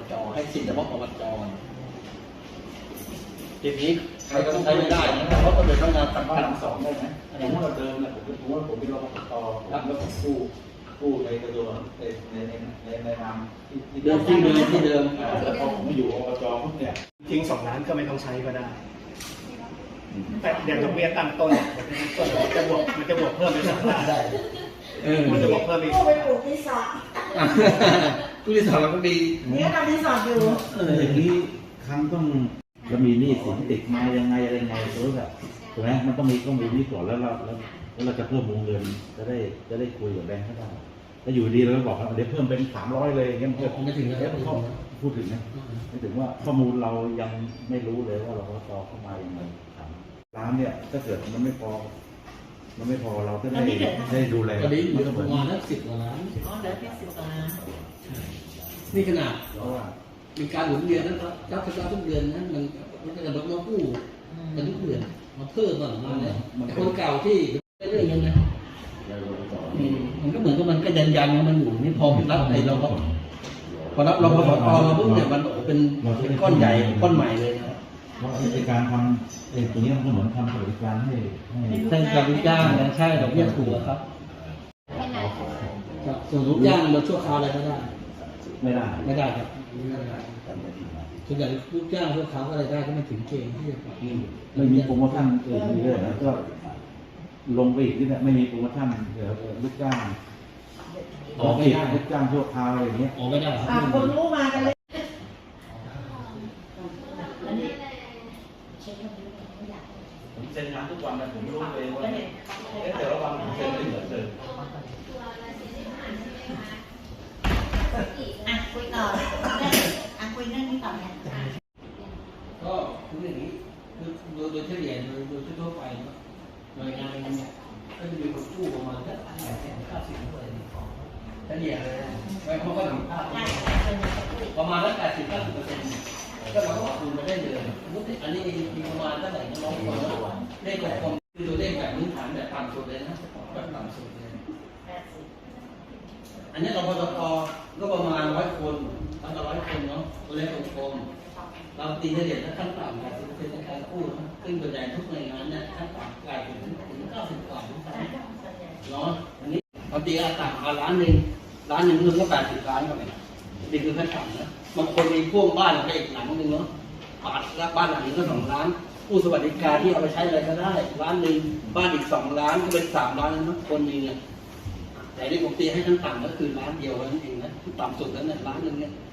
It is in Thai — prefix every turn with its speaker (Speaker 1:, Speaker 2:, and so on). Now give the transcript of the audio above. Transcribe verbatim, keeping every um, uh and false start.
Speaker 1: จให้สิทธิ์เฉพาะอบจทีนี้ใครก็ใช้ไม่ได้นะเพราะต้องเป็นพนักงานสังกัดสองได้ไหมผมว่าเดิมเนี่ยผมผมว่าผมเป็นรปภแล้วแล้วผมกู้กู้ในกระทรวงในในในในนามที่เดิมที่เดิมที่เดิมแต่พอผมมาอยู่อบจปุ๊บเนี่ย
Speaker 2: ทิ้งสองล้านก็ไม่ต้องใช้ก็ได้แต่เดี๋ยวดอกเบี้ยตั้งต้นมันจะบวกมันจะบวกเพิ่มไปสองล้านได้มันจะบวกเพิ่มอีก
Speaker 3: กู้ไปปลูกรีสอร์ท
Speaker 1: กู้รีสอร์ทก็ดี
Speaker 3: เนี่ยทำรีสอร์ทอยู่
Speaker 4: อย่างนี้ครั้งต้องจะมีหนี้สินติดมายังไงอะไรไงรู้แบบถูกไหมมันต้องมีต้องมีนี้ก่อนแล้วเราแล้วแล้วเราจะเพิ่มวงเงินจะได้จะได้คุยกับแบงค์เขาได้ถ้าอยู่ดีเราบอกว่าเดี๋ยวเพิ่มเป็นสามร้อยเลยงั้นเพื่อ
Speaker 1: ไม่ถึงแล้ว
Speaker 4: เขาพูดถึงนะไม่ถึงว่าข้อมูลเรายังไม่รู้เลยว่าเราต่อเข้ามาอย่างไรร้านเนี่ยถ้าเกิดมันไม่พอมันไม่พอเราก็ได้ได้ดูแล
Speaker 1: ตอนนี้อยู่ประมาณนักสิบกว่าล้าน
Speaker 3: อ๋อเหลือแค่สิบกว่าล้าน
Speaker 1: นี่ขนาดเพราะว่ามีการหมุนเวียนนะครับเจ้าชะตาทุกเดือนนั้นมันมันจะลดมากู้กันทุกเดือนมาเพิ่มบ้างมาเนี่ยแต่คนเก่าที่ไม่ได้เงินนะมันก็เหมือนกับมันก็ยันยันมันอยู่ไม่พอรับไอ้เราก็พอรับเราพอพอมาปุ๊บเนี่ยมันเป็นเป็นก้อนใหญ่ก้อนใหม่เลยนะ
Speaker 4: เพราะไอ้การทำไอ้ตัวนี้มันเหมือนทำบริการให้ให้
Speaker 1: ใช่การลูกจ้างนะใช่ดอกเบี้ยถูกครับส่วนลูกจ้างเราชั่วคราวอะไรก็ได้
Speaker 4: ไม่ได้
Speaker 1: ไม่ได้ครับส่วนใหญ่ลูกจ้างชั่วคราวอะไรได้ก็ไม่ถึงเกณฑ์ที่จะ
Speaker 4: ไม่มีโปรโมชั่นเออมีด้วยนะก็ลงไปอีกนี่แหละไม่มีโปรโมชั่นเดี๋ยวลูกจ้าง
Speaker 1: ออกไม่ได้
Speaker 4: ลูกจ้างชั่วคราวอะไรอย่างเงี้ย
Speaker 1: ออกไม่ได้
Speaker 3: อ่าคนรู้มากันเลย
Speaker 4: ผมเซ็นงานทุกวันนะผมไม่รู้เลยว่าแต่ละวันผมเซ็นไม่เหมือนเดิม
Speaker 3: อ่ะคุยต่ออ่ะคุยเรื่องนี้ต่อเนี่ย
Speaker 1: ก็คืออย่างนี้คือโดยโดยเฉลี่ยโดยโดยทั่วไปหน่วยงานเนี่ยก็จะมีคนกู้ประมาณแค่แปดแสนเก้าสิบเปอร์เซ็นต์เฉลี่ยเลยไม่เพราะว่าประมาณแปดสิบเก้าสิบเปอร์เซ็นต์ก็เราก็คูณมาได้เลยอันนี้มีประมาณเท่าไหร่น้องคนเลขของคนคือตัวเลขแบบพื้นฐานแบบต่ำสุดเลยนะแบบต่ำสุดเลยอันนี้เราพอตก็ประมาณร้อยคนตั้งแต่ร้อยคนเนาะตัวเลขกลมๆเราตีเฉลี่ยถ้าขั้นต่ำแปดสิบเปอร์เซ็นต์ในการกู้ซึ่งส่วนใหญ่ทุกหน่วยงานเนี่ยขั้นต่ำกลายถึงถึงเก้าสิบกว่าถึงสามเนาะอันนี้เราตีอาต่ำมาล้านหนึ่งล้านหนึ่งนึงก็แปดสิบล้านก็ไปนี่คือขั้นต่ำนะบางคนมีพ่วงบ้านไปอีกหลังนึงเนาะปาดรับบ้านหลังนึงก็สองล้านผู้สวัสดิการที่เอาไปใช้อะไรก็ได้ล้านหนึ่งบ้านอีกสองล้านก็เป็นสามล้านแล้วนะคนนึงเนี่ยแต่ที่ผมตีให้ขั้นต่ำก็คือล้านเดียวนั่นเองนะต่ำสุดแล้วเนี่ยล้านหนึ่งเนี่ย